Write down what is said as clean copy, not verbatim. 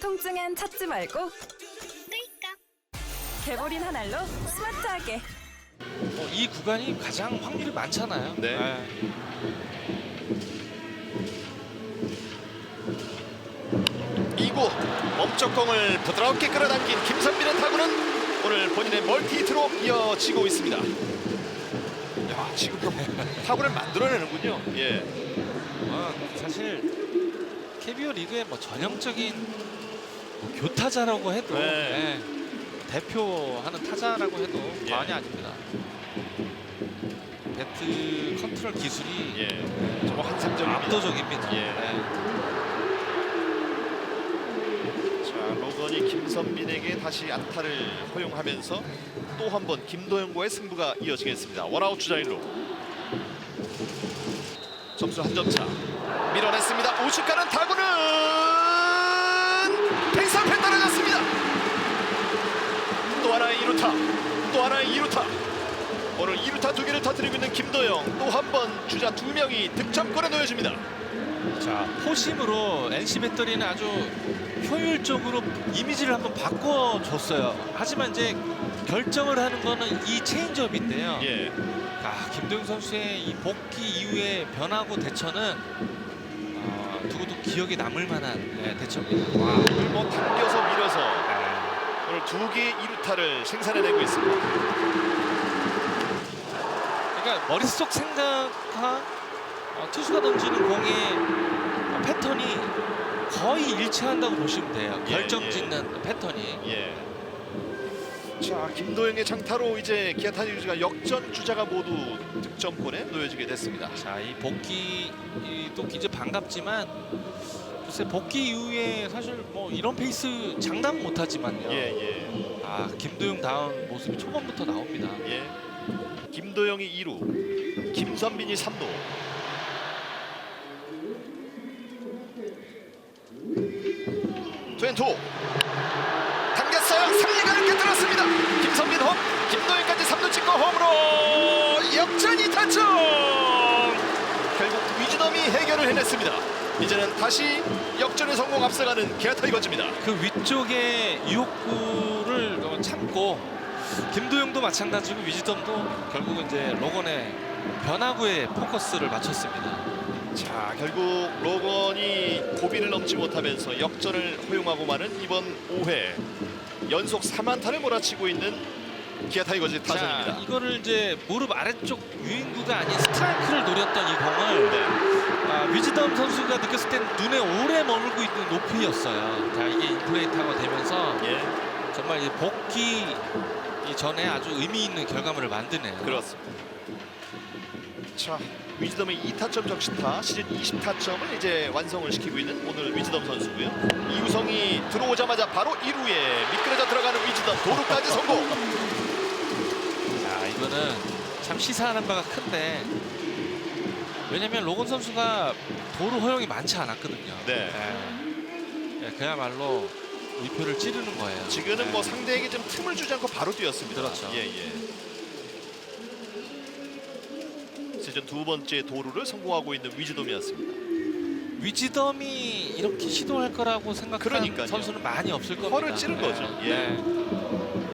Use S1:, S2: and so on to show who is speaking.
S1: 통증엔 찾지 말고 개보린 한 알로 스마트하게.
S2: 이 구간이 가장 확률이 많잖아요.
S3: 네. 2구 멈쩍공을 부드럽게 끌어당긴 김선빈의 타구는 오늘 본인의 멀티히트로 이어지고 있습니다. 야, 지금도 타구를 만들어내는군요. 예.
S2: 사실 KBO 리그의 뭐 전형적인 교타자라고 해도
S3: 네.
S2: 대표하는 타자라고 해도
S3: 예.
S2: 과언이 아닙니다. 배트 컨트롤 기술이
S3: 예. 정말 환상적입니다.
S2: 압도적입니다.
S3: 예. 자, 로건이 김선빈에게 다시 안타를 허용하면서 또 한 번 김도영과의 승부가 이어지겠습니다. 원아웃 주자 1루. 점수 한 점 차. 밀어냈습니다. 우측 가는 타구는 펜스 앞에 떨어졌습니다. 또 하나의 2루타. 또 하나의 2루타. 오늘 2루타 2개를 터뜨리고 있는 김도영. 또 한 번 주자 2명이 득점권에 놓여집니다.
S2: 자, 포심으로 NC 배터리는 아주 효율적으로 이미지를 한번 바꿔줬어요. 하지만 이제 결정을 하는 거는 이 체인지업인데요.
S3: 예.
S2: 김도영 선수의 이 복귀 이후의 변화구 대처는 두고도 기억에 남을 만한 대처입니다.
S3: 와, 오늘 뭐 당겨서 밀어서 오늘 2개의 2루타를 생산해내고 있습니다.
S2: 그러니까 머릿속 생각과 투수가 던지는 공의 패턴이 거의 일치한다고 보시면 돼요.
S3: 예,
S2: 결정짓는 패턴이.
S3: 예. 자, 김도영의 장타로 이제 기아 타이거즈가 역전 주자가 모두 득점권에 놓여지게 됐습니다.
S2: 자, 이 복귀도 이제 반갑지만 글쎄 복귀 이후에 사실 뭐 이런 페이스 장담 못하지만요.
S3: 예.
S2: 김도영 다운 모습이 초반부터 나옵니다.
S3: 예. 김도영이 2루, 김선빈이 3루. 투앤투 당겼어요. 3리가를 깨뜨렸습니다. 김선빈 홈, 김도영까지 3루 찍고 홈으로 역전 2타점. 결국 위즈덤이 해결을 해냈습니다. 이제는 다시 역전에 성공 앞서가는 기아 타이거즈입니다.
S2: 그 위쪽의 유혹구를 참고 김도영도 마찬가지고 위즈덤도 결국은 이제 로건의 변화구에 포커스를 맞췄습니다.
S3: 자, 결국 로건이 고비를 넘지 못하면서 역전을 허용하고 마는 이번 5회 연속 3안타를 몰아치고 있는 기아 타이거즈 타선입니다.
S2: 자, 이거를 이제 무릎 아래쪽 유인구가 아닌 스트라이크를 노렸던 이 공을 위즈덤 선수가 느꼈을 땐 눈에 오래 머물고 있는 높이였어요. 자, 이게 인플레이트가 되면서 정말 이 복귀 전에 아주 의미 있는 결과물을 만드네요.
S3: 그렇습니다. 자, 위즈덤의 2타점 적시타 시즌 20타점을 이제 완성을 시키고 있는 오늘 위즈덤 선수고요. 이우성이 들어오자마자 바로 1루에 미끄러져 들어가는 위즈덤 도루까지 성공.
S2: 자, 이거는 참 시사하는 바가 큰데 왜냐면 로건 선수가 도루 허용이 많지 않았거든요. 그야말로 위표를 찌르는 거예요.
S3: 지금은 뭐 상대에게 좀 틈을 주지 않고 바로 뛰었습니다.
S2: 그렇죠.
S3: 시즌 2번째 도루를 성공하고 있는 위즈덤이었습니다.
S2: 위즈덤이 이렇게 시도할 거라고 생각한
S3: 그러니까요.
S2: 선수는 많이 없을 겁니다.
S3: 허를 찌른 거죠. 예.